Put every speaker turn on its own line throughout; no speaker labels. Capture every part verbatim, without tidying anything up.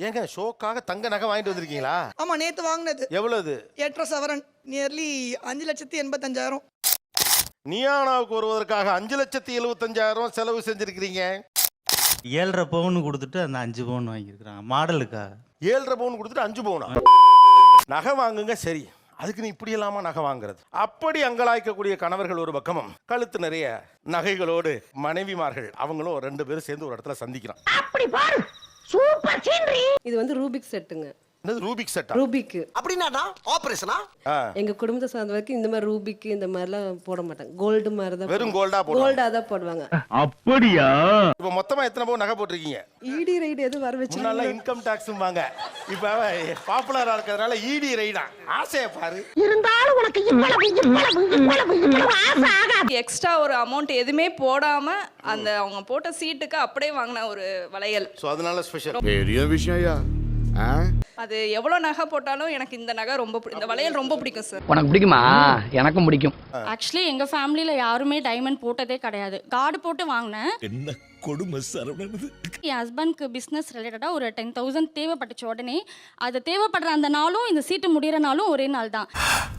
ஏங்க ஷோக்காக தங்க நகை வாங்கிட்டு வந்திருக்கீங்களா?
ஆமா, நேத்து வாங்கினது.
எவ்வளவு?
எட்டரை சவரன், நியர்லி அஞ்சு லட்சத்தி எண்பத்தஞ்சாயிரம்.
நியானாவுக்கு வருவதற்காக அஞ்சு லட்சத்தி எழுபத்தஞ்சாயிரம் செலவு செஞ்சிருக்கிறீங்க.
ஏழரை பவுன் கொடுத்துட்டு அந்த அஞ்சு பவுன் வாங்கியிருக்கிறாங்க மாடலுக்கா.
ஏழரை பவுன் கொடுத்துட்டு அஞ்சு பவுனா? நகை வாங்குங்க சரி, அதுக்கு நீ இப்படி இல்லாம நகை வாங்குறது. அப்படி அங்கலாய்க்கக்கூடிய கணவர்கள் ஒரு பக்கமும், கழுத்து நிறைய நகைகளோடு மனைவிமார்கள் அவங்களும் ரெண்டு பேரும் சேர்ந்து ஒரு இடத்துல சந்திக்கிறான்.
அப்படி பாரு, சூப்பர் சீனரி.
இது வந்து ரூபிக் செட்டுங்க.
என்னது ரூபிக் செட்டா?
ரூபிக்
அப்படின்னா ஆபரேஷனா?
எங்க குடும்பத்தை சார்ந்த வரைக்கும் இந்த மாதிரி ரூபிக் இந்த மாதிரிலாம் போட மாட்டாங்க. கோல்டு மாதிரி தான்,
வெறும் கோல்டா போடுவாங்க.
கோல்டா தான் போடுவாங்க.
அப்படியா?
இப்போ மொத்தமா எத்தனை பவுன் நகை போட்டிருக்கீங்க?
ஈடி ரைடு எது வர வச்சு
முன்னால இன்கம் டாக்ஸும் வாங்க, இப்ப பாப்புலரா இருக்கிறதுனால ஈடி ரைடா. ஆசையை பாரு.
இருந்தாலும் உனக்கு இவ்வளவு இவ்வளவு இவ்வளவு இவ்வளவு ஆசை ஆகாது.
எக்ஸ்ட்ரா ஒரு அமௌண்ட் எதுவுமே போடாம அந்த அவங்க போட்ட சீட்டுக்கு அப்படியே வாங்கின ஒரு வளையல்.
சோ அதனால ஸ்பெஷல்.
பெரிய விஷயம்யா.
அது எவ்வளவு நகை போட்டாலும் எனக்கு இந்த நகை ரொம்ப பிடி- இந்த வளையல் ரொம்ப பிடிக்கும் சார்.
உனக்கு பிடிக்குமா? எனக்கும் பிடிக்கும்.
ஆக்சுவலி எங்க ஃபேமிலியில யாருமே டைமண்ட் போட்டதே கிடையாது. கார்டு போட்டு வாங்கினேன்.
என்ன கொடுமை சரவணன்.
என் ஹஸ்பண்ட்க்கு பிஸ்னஸ் ரிலேட்டடாக ஒரு டென் தௌசண்ட் தேவைப்பட்டுச்சு. உடனே அது தேவைப்படுற அந்த நாளும் இந்த சீட்டு முடிகிற நாளும் ஒரே நாள் தான்.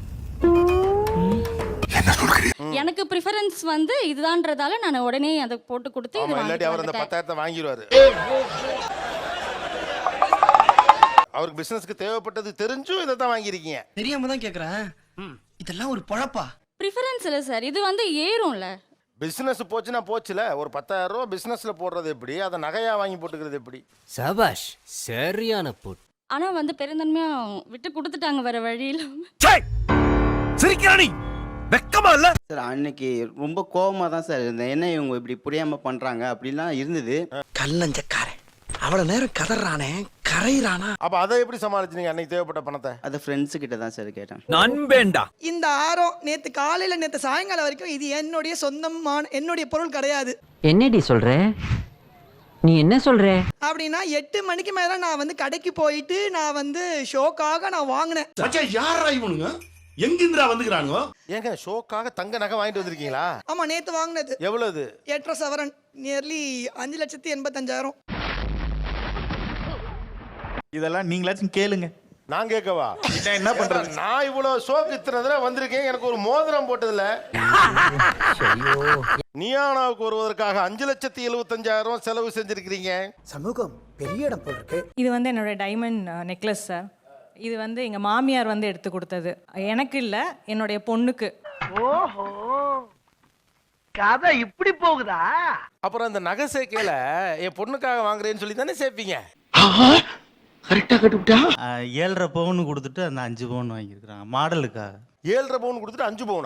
எனக்கு ப்ரிஃபரன்ஸ் வந்து இதுதான்றதால நான் உடனே அதை போட்டு கொடுத்து இது
இல்லாட்டி அவர் அந்த
வாங்கிட்டு
பத்தாயிரத்தை வாங்கிடுவாரு. அவருக்கு பிசினஸ்க்கு தேவைப்பட்டது தெரிஞ்சும் இதை தான் வாங்கியிருக்கீங்க.
தெரியாம தான் கேக்குறேன். இதெல்லாம் ஒரு பொழப்பா?
ப்ரிஃபரன்ஸ் இல்லை சார், இது வந்து ஏறும்ல.
பிசினஸ் போச்சுன்னா போச்சுல. ஒரு பத்தாயிரம் ரூபா பிசினஸ்ல போடுறது எப்படி, அதை நகையா வாங்கி போட்டுக்கிறது எப்படி?
சபாஷ், சரியான போட்.
ஆனா வந்து பெருந்தன்மையா விட்டு கொடுத்துட்டாங்க வேற வழியில.
சிரிக்கிறானி வெக்கமா இல்ல
சார்? அன்னைக்கு ரொம்ப கோவமா தான் சார் இருந்தேன். என்ன இவங்க இப்படி புரியாம பண்றாங்க அப்படிலாம் இருந்தது.
கல்லஞ்சக்காரன் அவ்வளவு நேரம் கதறானே, கரையிறானா?
அப்ப அதை எப்படி சமாளிச்சீங்க அன்னைக்கு தேவைப்பட்ட பணத்தை?
அது ஃப்ரெண்ட்ஸ் கிட்ட தான் சார் கேட்டேன்.
நண்பேண்டா.
இந்த ஆரம் நேத்து காலையில நேத்து சாயங்காலம் வரைக்கும் இது என்னுடைய சொந்தமான என்னுடைய பொருள் கிடையாது.
என்னடி சொல்ற? நீ என்ன சொல்ற?
அப்படின்னா எட்டு மணிக்கு மேல நான் வந்து கடைக்கு போயிட்டு நான் வந்து ஷோக்காக நான் வாங்கினேன்.
மச்சான் யாரா இவனுங்க? எங்கிந்திரா வந்துக்கறானுங்க?
ஏங்க ஷோக்காக தங்க நகை வாங்கிட்டு வந்திருக்கீங்களா?
ஆமா, நேத்து வாங்கினது.
எவ்வளவு?
எட்டரை சவரன், நியர்லி அஞ்சு லட்சத்தி எண்பத்தஞ்சாயிரம்.
இதெல்லாம் நீங்களாச்சும் கேளுங்க.
நான் கேட்கவா?
என்ன பண்றது?
நான் இவ்வளவு ஷோக்கு இத்தனை தடவை வந்திருக்கேன், எனக்கு ஒரு மோதிரம் போட்டதில்ல. நியானாவுக்கு வருவதற்காக அஞ்சு லட்சத்தி எழுபத்தஞ்சாயிரம் செலவு செஞ்சிருக்கிறீங்க.
சமூகம் பெரிய இடம் போல் இருக்கு.
இது வந்து என்னோட டைமண்ட் நெக்லஸ் சார். இது வந்து எங்க மாமியார் வந்து எடுத்து கொடுத்தது. எனக்கு இல்ல, என்னுடைய பொண்ணுக்கு.
ஓஹோ, கதை இப்படி போகுதா?
அப்புறம் அந்த நகை சேர்க்கையில என் பொண்ணுக்காக வாங்குறேன்னு சொல்லி தானே சேர்ப்பீங்க?
கரெக்டா கட்டுட்டா.
ஏழரை பவுன் கொடுத்துட்டு அந்த அஞ்சு பவுன் வாங்கியிருக்கிறாங்க மாடலுக்கா.
ஏழரை பவுன் கொடுத்துட்டு அஞ்சு பவுனா?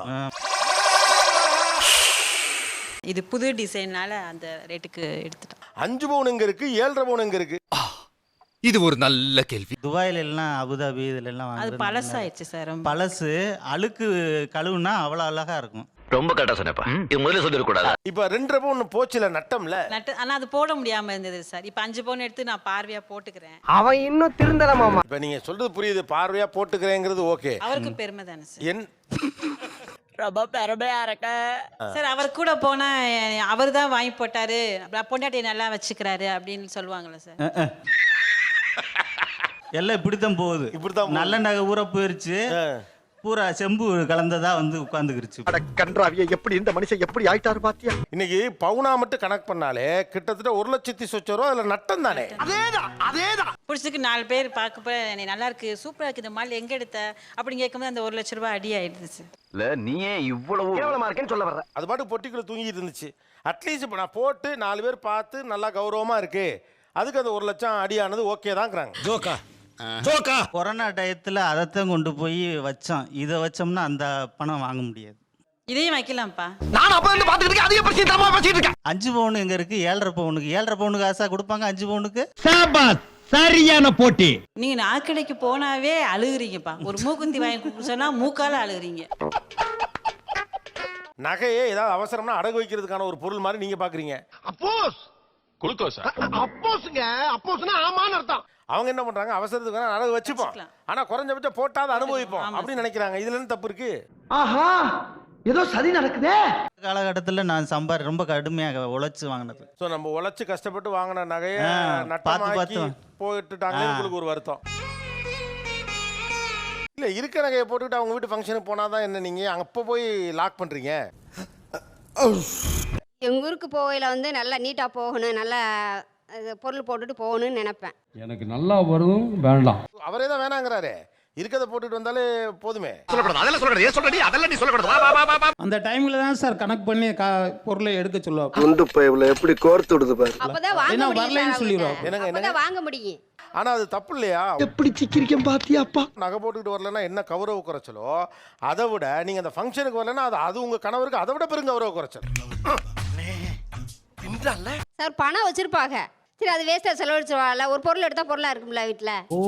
இது புது டிசைனால அந்த ரேட்டுக்கு எடுத்துட்டோம்.
அஞ்சு பவுன் எங்க இருக்கு, ஏழரை பவுன் எங்க இருக்கு?
இது ஒரு நல்ல கேள்வி.
துபாயில எல்லாம் அபுதாபி இதுல எல்லாம்
அது
வாங்குறது
பழசாயிடுச்சு சார்.
பழசு. அழுக்கு கழுவுனா அவ்வளவு அழகா இருக்கும்.
ரொம்ப கரெக்டா சொன்னப்பா. இது முதல்ல சொல்லிடக்கூடாது.
இப்ப ரெண்டரை பவுன் போச்சுல நட்டம்ல.
நட்டு ஆனா அது போட முடியாம இருந்தது சார். இப்ப அஞ்சு பவுன் எடுத்து நான் பார்வையா போட்டுக்கிறேன்.
அவன் இன்னும் திருந்தலமாமா.
இப்ப நீங்க சொல்றது புரியுது, பார்வையா போட்டுக்கிறேங்கிறது ஓகே.
அவருக்கு பெருமை தானே சார்.
என்
ரொம்ப பெருமையா இருக்க
சார். அவர் கூட போனா அவர் தான் வாங்கி போட்டாரு, பொண்டாட்டியை நல்லா வச்சுக்கிறாரு அப்படின்னு சொல்லுவாங்களே சார்.
எல்லாம் இப்படித்தான் போகுது.
இப்படித்தான் போகுது.
நல்ல நகை ஊற போயிருச்சு, பூரா செம்பு கலந்ததா வந்து உட்கார்ந்துக்கிருச்சு.
கன்றாவிய எப்படி இந்த மனுஷன் எப்படி ஆயிட்டாரு பாத்தியா?
இன்னைக்கு பவுனா மட்டும் கணக்கு பண்ணாலே கிட்டத்தட்ட ஒரு லட்சத்தி சொச்ச ரூபா அதுல நட்டம் தானே.
அதேதான் அதேதான்.
பிடிச்சதுக்கு நாலு பேர் பார்க்க போய் என்னை நல்லா இருக்கு, சூப்பரா இருக்கு, இந்த மால் எங்க எடுத்த அப்படின்னு கேட்கும்போது அந்த ஒரு லட்ச ரூபாய் அடி ஆயிடுது சார்.
இல்ல நீயே இவ்வளவு
கேவலமா இருக்கேன்னு சொல்ல வர்ற.
அது பாட்டு பொட்டிக்குள்ள தூங்கிட்டு இருந்துச்சு. அட்லீஸ்ட் இப்போ நான் போட்டு நாலு பேர் பார்த்து நல்லா கௌரவமா இருக்கு, அதுக்கு அந்த ஒரு லட்சம் அடியானது ஓகே தான்ங்கிறாங்க.
ஜோக்கா ஜோக்கா.
கொரோனா டயத்துல அதைத்தான் கொண்டு போய் வச்சோம். இதை வச்சோம்னா அந்த பணம் வாங்க முடியாது.
இதையும் வைக்கலாம்ப்பா.
நான் அப்ப வந்து பாத்துக்கிட்டு அதிக பிரச்சனை தரமா பேசிட்டு இருக்கேன்.
அஞ்சு பவுன் எங்க இருக்கு? ஏழரை பவுனுக்கு. ஏழரை பவுனுக்கு ஆசா கொடுப்பாங்க அஞ்சு பவுனுக்கு.
சாபாஸ், சரியான போட்டி.
நீங்க நாக்கடைக்கு போனாவே அழுகுறீங்கப்பா. ஒரு மூக்குந்தி வாங்கி சொன்னா மூக்கால அழுகுறீங்க.
நகையே ஏதாவது அவசரம்னா அடகு வைக்கிறதுக்கான ஒரு பொருள் மாதிரி நீங்க பாக்குறீங்க.
அப்போஸ் குளுக்கோஸ். அப்போஸ்ங்க, அப்போஸ்னா ஆமான்னு அர்த்தம்.
அவங்க என்ன பண்றாங்க, அவசரத்துக்கு வேணா அடகு வச்சுப்போம், ஆனா குறைஞ்சபட்சம் போட்டாத அனுபவிப்போம் அப்படின்னு நினைக்கிறாங்க. இதுல என்ன தப்பு இருக்கு?
ஆஹா, ஏதோ சதி நடக்குதே.
காலகட்டத்தில் நான் சம்பாரி ரொம்ப கடுமையாக உழைச்சி வாங்கினது.
ஸோ நம்ம உழைச்சி கஷ்டப்பட்டு வாங்கின நகையை
ஆ, பார்த்து
நட்டமாக்கி
பார்த்து.
போயிட்டுட்டாங்க,
ஆ.
உங்களுக்கு ஒரு வருத்தம். இல்லை, இருக்க நகையை போட்டுக்கிட்டு அவங்க வீட்டு ஃபங்க்ஷனுக்கு போனால் தான் என்ன நீங்கள் அப்போ போய் லாக் பண்ணுறீங்க?
எங்க ஊருக்கு போகையில வந்து நல்லா நீட்டா போகணும், நல்லா அது பொருள் போட்டுட்டு போகணும்னு நினைப்பேன்.
எனக்கு நல்லா வரும் வேண்டாம்.
அவரே தான் வேணாங்கிறாரு. இருக்கதை போட்டுட்டு வந்தாலே போதுமே.
சொல்லக்கூடாது, அதெல்லாம் சொல்லக்கூடாது. ஏன் சொல்றடி? அதெல்லாம் நீ சொல்லக்கூடாது. வா, வா, வா, வா, வா.
அந்த டைம்ல தான் சார் கணக்கு பண்ணி பொருளை எடுக்க சொல்லுவாங்க.
குண்டு பைப்ல எப்படி கோர்த்து விடுது பாரு.
அப்பதான் வாங்க
என்ன
முடியும்
வரலைன்னு
சார்
சொல்லிடுவோம்.
அவங்கள்ட்ட.
என்னங்க, என்னங்க?
அப்பதான் வாங்க முடியும்.
ஆனால் அது தப்பு இல்லையா?
எப்படி சிக்கிரிக்கம் பாத்தியாப்பா?
நகை போட்டுக்கிட்டு வரலன்னா என்ன கௌரவ குறைச்சலோ அதை விட நீங்கள் அந்த ஃபங்க்ஷனுக்கு வரலன்னா அது அது உங்கள் கணவருக்கு அதை விட பெரும் கௌரவ குறைச்சல்.
சார் பணம் வச்சிருப்பாங்க, சரி அது வேஸ்டா செலவழிச்சிருவாங்கல்ல, ஒரு பொருள் எடுத்தா பொருளா இருக்கும்ல வீட்டுல.
ஓ,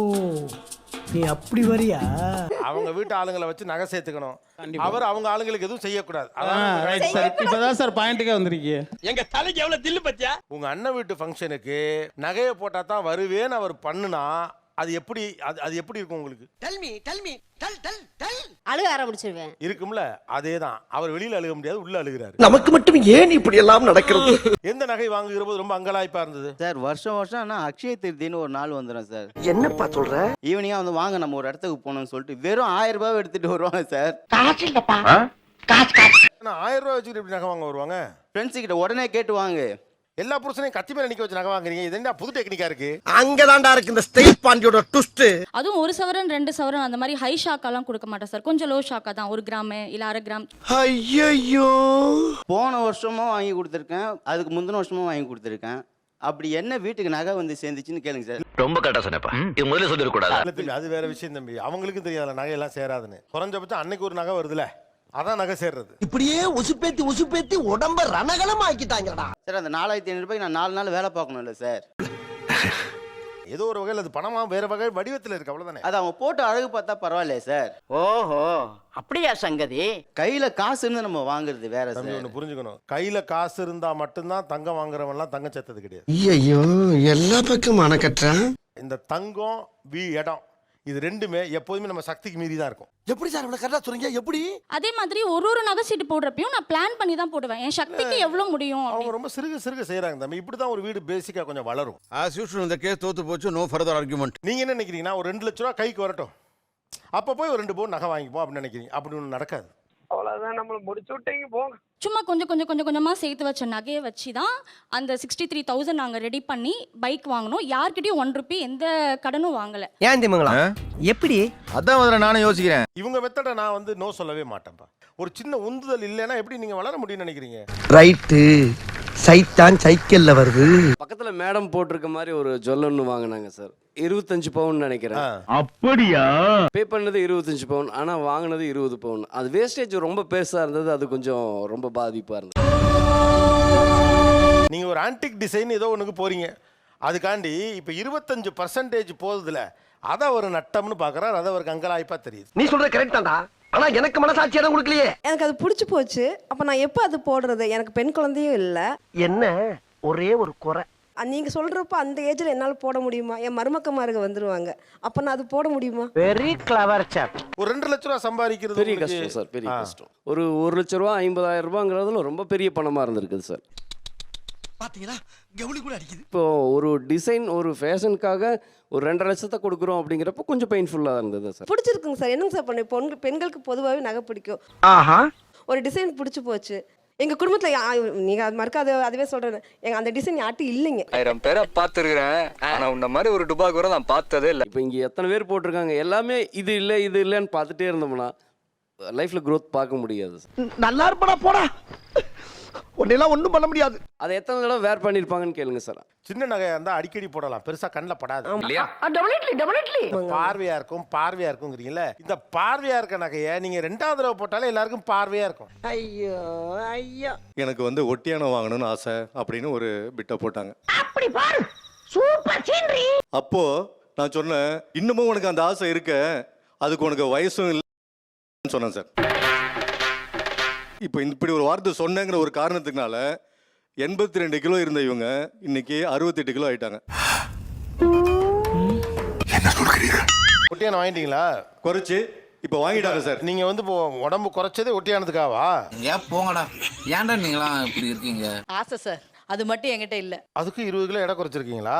நீ அப்படி வரியா?
அவங்க வீட்டு ஆளுங்களை வச்சு நகை சேர்த்துக்கணும். அவர் அவங்க ஆளுங்களுக்கு எதுவும் செய்யக்கூடாது.
Right sir. இப்பதான் சார் பாயிண்ட்டுக்கே வந்திருக்கீங்க.
எங்க தலைக்கு எவ்வளவு தில்லு பத்தியா?
உங்க அண்ணன் வீட்டு ஃபங்க்ஷனுக்கு நகையை போட்டா தான் வருவேன்னு அவர் பண்ணுனா அது எப்படி அது அது எப்படி இருக்கும் உங்களுக்கு?
Tell me tell me tell tell tell.
அழுக ஆரம்பிச்சிருவேன்.
இருக்கும்ல, அதே தான். அவர் வெளியில அழுக முடியாது, உள்ள அழுகிறாரு.
நமக்கு மட்டும் ஏன் இப்படி எல்லாம் நடக்கிறது?
எந்த நகை வாங்குகிற போது ரொம்ப அங்கலாய்ப்பா இருந்தது?
சார் வருஷம் வருஷம் ஆனால் அக்ஷய திருதின்னு ஒரு நாள் வந்துடும் சார்.
என்னப்பா சொல்ற?
ஈவினிங்காக வந்து வாங்க நம்ம ஒரு இடத்துக்கு போகணும்னு சொல்லிட்டு வெறும் ஆயிரம் ரூபாய் எடுத்துட்டு வருவாங்க சார்.
காசு இல்லப்பா.
ஆனா ஆயிரம் ரூபாய் வச்சுக்கிட்டு எப்படி நகை வாங்க வருவாங்க?
ஃப்ரெண்ட்ஸு கிட்ட உடனே கேட்டு வாங்க.
எல்லா புருஷனையும் கத்தி மேல நிக்க வச்சு நகை வாங்குறீங்க, இது என்ன புது டெக்னிக்கா இருக்கு?
அங்கதான்டா இருக்கு இந்த ஸ்டைல் பாண்டியோட ட்விஸ்ட்.
அதுவும் ஒரு சவரன் ரெண்டு சவரன் அந்த மாதிரி ஹை ஷாக்காலாம் கொடுக்க மாட்டேன் சார். கொஞ்சம் லோ ஷாக்கா தான், ஒரு கிராம் இல்ல அரை கிராம்.
ஐயோ,
போன வருஷமும் வாங்கி கொடுத்துருக்கேன், அதுக்கு முந்தின வருஷமும் வாங்கி கொடுத்துருக்கேன். அப்படி என்ன வீட்டுக்கு நகை வந்து சேர்ந்துச்சுன்னு கேளுங்க சார்.
ரொம்ப கரெக்டா சொன்னப்பா. இது முதல்ல சொல்லிடக்கூடாது.
இல்ல தம்பி, அது வேற விஷயம் தம்பி. அவங்களுக்கும் தெரியாதுல நகை எல்லாம் சேராதுன்னு. குறைஞ்சபட்சம் அன்னைக்கு ஒரு நகை வருதுல, அதான் நகை சேர்றது.
இப்படியே உசுப்பேத்தி உசுப்பேத்தி உடம்ப ரணகலம் ஆக்கிட்டாங்கடா.
சார் அந்த நாலாயிரத்தி ஐநூறு ரூபாய்க்கு நான் நாலு நாள் வேலை பார்க்கணும் இல்லை சார்.
ஏதோ ஒரு வகையில் அது பணமா வேற வகை வடிவத்தில் இருக்கு, அவ்வளவுதானே.
அது அவங்க போட்டு அழகு பார்த்தா பரவாயில்லையே சார்.
ஓஹோ அப்படியா சங்கதி?
கையில காசு இருந்து நம்ம வாங்குறது வேற
தம்பி
சார்.
ஒன்று புரிஞ்சுக்கணும், கையில காசு இருந்தா மட்டும்தான் தங்கம் வாங்குறவன்லாம் தங்கம் சேர்த்தது கிடையாது.
ஐயோ, எல்லா பக்கம் அணக்கட்டுறான்.
இந்த தங்கம் வீ இடம் இது ரெண்டுமே எப்போதுமே நம்ம சக்திக்கு மீறி தான் இருக்கும்.
எப்படி சார் இவ்வளவு கரெக்டா சொல்றீங்க? எப்படி?
அதே மாதிரி ஒரு ஒரு நகை சீட்டு போடுறப்பையும் நான் பிளான் பண்ணி தான் போடுவேன், என் சக்திக்கு எவ்வளவு முடியும்
அவங்க
அப்படின்னு.
ரொம்ப சிறுக சிறுக செய்யறாங்க தம்பி. இப்படி தான் ஒரு வீடு பேசிக்கா கொஞ்சம் வளரும்.
ஆஸ் யூஷுவல் இந்த கேஸ் தோத்து போச்சு. No further argument.
நீங்க என்ன நினைக்கிறீங்கன்னா ஒரு ரெண்டு லட்ச ரூபா கைக்கு வரட்டும், அப்போ போய் ஒரு ரெண்டு பவுன் நகை வாங்கிப்போம் அப்படின்னு நினைக்கிறீங்க. அப்படி ஒன்று நடக்காது.
அவ்வளவுதான், நம்மள முடிச்சு விட்டீங்க போங்க.
சும்மா கொஞ்சம் கொஞ்சம் கொஞ்சம் கொஞ்சமா சேர்த்து வச்ச நகையை வச்சு தான் அந்த சிக்ஸ்டி த்ரீ தௌசண்ட் நாங்கள் ரெடி பண்ணி பைக் வாங்கினோம். யார்கிட்டயும் ஒன் ருபி எந்த கடனும் வாங்கலை.
ஏன் திமுங்களா? எப்படி?
அதான் முதல்ல நானும் யோசிக்கிறேன்.
இவங்க மெத்தடை நான் வந்து நோ சொல்லவே மாட்டேன்ப்பா. ஒரு சின்ன உந்துதல் இல்லைன்னா எப்படி நீங்க வளர முடியும்னு நினைக்கிறீங்க?
ரைட்டு, சைத்தான் சைக்கிள்ல வருது.
பக்கத்துல மேடம் போட்டிருக்க மாதிரி ஒரு ஜொல்லன்னு வாங்கினாங்க சார். இருபத்தஞ்சு பவுன் நினைக்கிறேன்.
அப்படியா?
பே பண்ணது இருபத்தஞ்சு பவுன், ஆனா வாங்கினது இருபது பவுன். அது வேஸ்டேஜ் ரொம்ப பெருசா இருந்தது, அது கொஞ்சம் ரொம்ப பாதிப்பா இருந்தது.
நீங்க ஒரு ஆன்டிக் டிசைன் ஏதோ ஒண்ணுக்கு போறீங்க, அதுக்காண்டி இப்ப இருபத்தஞ்சு பர்சன்டேஜ் போகுதுல, அதை ஒரு நட்டம்னு பாக்குறாரு, அதை ஒரு கங்கலாய்ப்பா தெரியுது.
நீ சொல்றது கரெக்ட் தான்டா, ஆனா எனக்கு மனசாட்சி இடம் கொடுக்கலையே.
எனக்கு அது பிடிச்சி போச்சு. அப்போ நான் எப்போ அது போடுறது? எனக்கு பெண் குழந்தையும் இல்லை.
என்ன ஒரே ஒரு குறை,
நீங்கள் சொல்கிறப்ப அந்த ஏஜில் என்னால் போட முடியுமா? என் மருமக்கமாருங்க வந்துடுவாங்க, அப்போ நான் அது போட முடியுமா?
வெரி கிளவர் சாப்.
ஒரு ரெண்டு லட்ச ரூபா சம்பாதிக்கிறது
பெரிய
உங்களுக்கு-
கஷ்டம் சார், பெரிய
ஆ.
கஷ்டம். ஒரு ஒரு லட்ச ரூபா ஐம்பதாயிரம் ரூபாங்கிறதுல ரொம்ப பெரிய பணமா இருந்திருக்குது சார்.
பாத்தீங்களா, கவுளி கூட அடிக்குது.
இப்போ ஒரு டிசைன் ஒரு ஃபேஷனுக்காக ஒரு ரெண்டரை லட்சத்தை கொடுக்குறோம் அப்படிங்கிறப்ப கொஞ்சம் பெயின்ஃபுல்லாக இருந்தது சார்.
பிடிச்சிருக்குங்க சார். என்னங்க சார் பண்ண பொண்ணு பெண்களுக்கு பொதுவாகவே நகை பிடிக்கும்.
ஆஹா,
ஒரு டிசைன் பிடிச்சி போச்சு. எங்கள் குடும்பத்தில் நீங்கள் அது மறுக்க அது அதுவே சொல்கிறேன், எங்கள் அந்த டிசைன் யார்ட்டும் இல்லைங்க.
ஆயிரம் பேரை பார்த்துருக்கிறேன், ஆனால் உன்ன மாதிரி ஒரு டுபா கூட நான் பார்த்ததே இல்லை. இப்போ இங்கே எத்தனை பேர் போட்டிருக்காங்க, எல்லாமே இது இல்லை இது இல்லைன்னு பார்த்துட்டே இருந்தோம்னா லைஃப்பில் க்ரோத் பார்க்க முடியாது சார்.
நல்லா இருப்படா போடா, உன்னெல்லாம் ஒண்ணும் பண்ண முடியாது.
அதை எத்தனை தடவை வேர் பண்ணியிருப்பாங்கன்னு கேளுங்க சார்.
சின்ன நகையா இருந்தா அடிக்கடி போடலாம், பெருசா கண்ணில் படாது,
இல்லையா?
பார்வையா இருக்கும். பார்வையா இருக்குங்கிறீங்கல்ல, இந்த பார்வையா இருக்க நகையை நீங்க ரெண்டாவது தடவை போட்டாலே எல்லாருக்கும் பார்வையா இருக்கும்.
ஐயோ ஐயோ,
எனக்கு வந்து ஒட்டியானம் வாங்கணும்னு ஆசை அப்படின்னு ஒரு பிட்டை போட்டாங்க.
அப்படி பாரு, சூப்பர் சீனரி.
அப்போ நான் சொன்னேன், இன்னமும் உனக்கு அந்த ஆசை இருக்க, அதுக்கு உனக்கு வயசும் இல்லைன்னு சொன்னேன் சார். இப்போ இப்படி ஒரு வார்த்தை சொன்னேங்கிற ஒரு காரணத்துக்குனால எண்பத்தி ரெண்டு கிலோ இருந்த இவங்க இன்னைக்கு அறுபத்தெட்டு கிலோ ஆயிட்டாங்க.
ஒட்டியான வாங்கிட்டீங்களா?
குறைச்சி இப்போ வாங்கிட்டாங்க சார்.
நீங்க வந்து இப்போ உடம்பு குறைச்சதே ஒட்டியானதுக்காவா?
ஏன் போங்கடா, ஏன்டா நீங்களாம் இப்படி இருக்கீங்க?
ஆசை சார், அது மட்டும் என்கிட்ட இல்லை.
அதுக்கு இருபது கிலோ எடை குறைச்சிருக்கீங்களா?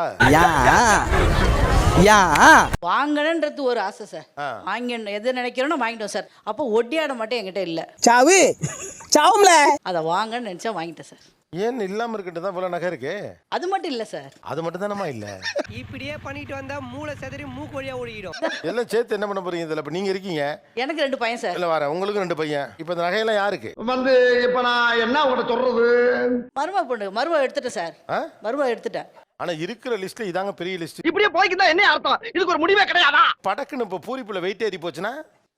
வாங்கணுன்றது ஒரு ஆசை சார். வாங்கணும் எது நினைக்கிறோன்னு வாங்கிட்டோம் சார். அப்போ ஒட்டியாட மட்டும் என்கிட்ட இல்லை.
சாவு சாவும்ல.
அதை வாங்கன்னு நினச்சா வாங்கிட்டேன் சார்.
ஏன் இல்லாம இருக்கிட்டு தான் இவ்வளவு நகை இருக்கு?
அது மட்டும் இல்லை சார்.
அது மட்டும் தானமா இல்ல.
இப்படியே பண்ணிட்டு வந்தா மூளை செதறி மூக்கு வழியா ஓடிடும்.
எல்லாம் சேர்த்து என்ன பண்ண போறீங்க இதுல? இப்ப நீங்க இருக்கீங்க,
எனக்கு ரெண்டு பையன் சார்.
இல்ல வரேன், உங்களுக்கு ரெண்டு பையன். இப்ப இந்த நகையெல்லாம் யாருக்கு
வந்து இப்ப நான் என்ன உங்கள்கிட்ட சொல்றது?
மருமக பொண்ணு மருமக எடுத்துட்டேன் சார்.
ஆ?
மருமக எடுத்துட்டேன்.
ஆனா இருக்கிற லிஸ்ட்ல இதாங்க பெரிய லிஸ்ட்.
இப்படியே போய்க்கிட்டா என்ன அர்த்தம்? இதுக்கு ஒரு முடிவே கிடையாதா?
படக்குன்னு இப்ப பூரிப்புல வெயிட் ஏறி போச்சுன்னா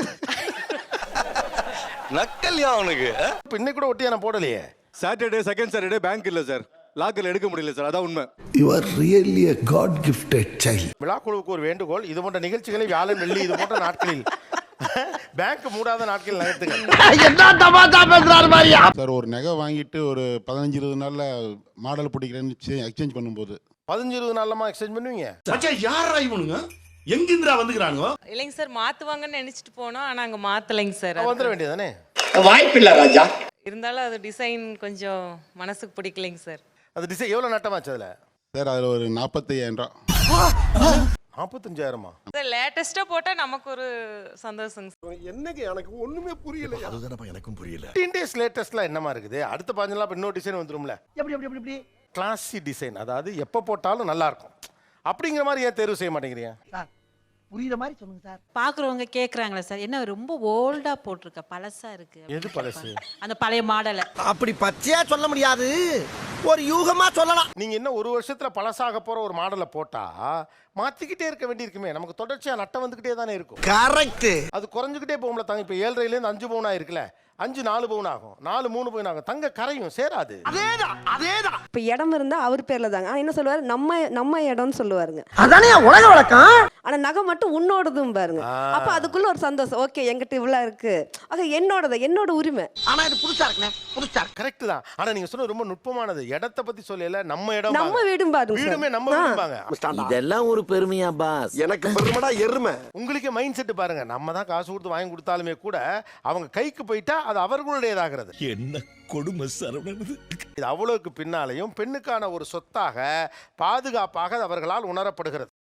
நக்கல்யா அவனுக்கு.
இப்ப இன்னைக்கு கூட ஒட்டியா நான் போடலையே.
சாட்டர்டே செகண்ட் சாட்டர்டே பேங்க் இல்லை சார், லாக்கர்ல எடுக்க முடியல சார், அதான் உண்மை.
You are really a God gifted child.
விழாக்குழுவுக்கு ஒரு வேண்டுகோள், இது போன்ற நிகழ்ச்சிகளை வியாழன் வெள்ளி இது போன்ற நாட்களில் பேங்க் மூடாத நாட்களில் நகர்த்துங்க.
என்ன தமாஷா பேசுறாரு மாதிரியா?
சார் ஒரு நகை வாங்கிட்டு ஒரு பதினஞ்சு இருபது நாள்ல மாடல் பிடிக்கிறேன்னு எக்ஸ்சேஞ்ச் பண்ணும்போது
பதினஞ்சு இருபது நாள்லமா எக்ஸ்சேஞ்ச் பண்ணுவீங்க?
யாரா இவனுங்க? எங்கிந்திரா வந்துக்கிறானுங்க?
இல்லைங்க சார், மாற்றுவாங்கன்னு நினச்சிட்டு போனோம். ஆனால் அங்கே மாற்றலைங்க சார்.
வந்துட வேண்டியதானே.
வாய்ப்பில்லை ராஜா.
இருந்தாலும் அது டிசைன் கொஞ்சம் மனசுக்கு பிடிக்கலைங்க சார்.
அது டிசைன் எவ்வளவு நட்டமாச்சு அதுல?
சார் அதில் ஒரு நாற்பத்தையாயிரம் ரூபா.
நாற்பத்தஞ்சாயிரமா?
சார் லேட்டஸ்ட்டாக போட்டால் நமக்கு ஒரு சந்தோஷங்க சார்.
என்னங்க எனக்கு ஒண்ணுமே புரியல. அதுதானப்பா எனக்கும் புரியல.
ஃபிஃப்டீன் டேஸ் லேட்டஸ்ட்லாம் என்னமா இருக்குது? அடுத்த பதினஞ்சு நாள் இன்னொரு டிசைன் வந்துரும்ல.
எப்படி எப்படி எப்படி எப்படி?
கிளாசி டிசைன், அதாவது எப்போ போட்டாலும் நல்லா இருக்கும் அப்படிங்கிற மாதிரி ஏன் தேர்வு செய்ய மாட்டேங்கிறீங்க?
சார் புரியுற மாதிரி சொல்லுங்க சார்.
பார்க்குறவங்க கேட்குறாங்களே சார், என்ன ரொம்ப ஓல்டாக போட்டிருக்க, பழசாக இருக்கு.
எது பழசு?
அந்த பழைய மாடலை.
அப்படி பச்சையா சொல்ல முடியாது, ஒரு யூகமா சொல்லலாம்.
நீங்க இன்னும் ஒரு வருஷத்துல பழசாக போற ஒரு மாடலை போட்டா மாத்திக்கிட்டே இருக்க வேண்டியிருக்குமே. நமக்கு தொடர்ச்சியா நட்டம் வந்துகிட்டே தானே இருக்கும்.
கரெக்ட்.
அது குறைஞ்சுக்கிட்டே போகும்ல தங்க. இப்ப ஏழரைல இருந்து அஞ்சு பவுன் ஆயிருக்குல்ல, அஞ்சு நாலு பவுன் ஆகும், நாலு மூணு பவுன் ஆகும். தங்க கரையும், சேராது.
அதேதான் அதேதான்.
இப்போ இடம் இருந்தா அவர் பேர்ல தாங்க. ஆனா என்ன சொல்லுவாரு, நம்ம நம்ம இடம்னு சொல்லுவாருங்க.
அதானே உலக வழக்கம்.
ஆனா நகை மட்டும் உன்னோடதும் பாருங்க. அப்ப அதுக்குள்ள ஒரு சந்தோஷம். ஓகே, என்கிட்ட இவ்வளவு இருக்கு, ஆக என்னோடது, என்னோட உரிமை.
ஆனா இது புதுசா இருக்குனே, புதுசா.
கரெக்ட் தான். ஆனா நீங்க சொன்ன ரொம்ப நுட்பமானது. இடத்தை பத்தி சொல்லல, நம்ம இடம்,
நம்ம வீடும் பாருங்க.
வீடுமே நம்ம வீடும்பாங்க.
இதெல்லாம் ஒரு பெருமையா பாஸ்?
எனக்கு பெருமைடா எருமை.
உங்களுக்கு மைண்ட் செட் பாருங்க. நம்ம தான் காசு கொடுத்து வாங்கி கொடுத்தாலுமே கூட அவங்க கைக்கு போயிட்டா அது அவர்களுடையதாகிறது.
என்ன கொடுமை சரவணன்.
இது அவ்வளவுக்கு பின்னாலையும் பெண்ணுக்கான ஒரு சொத்தாக, பாதுகாப்பாக அவர்களால் உணரப்படுகிறது.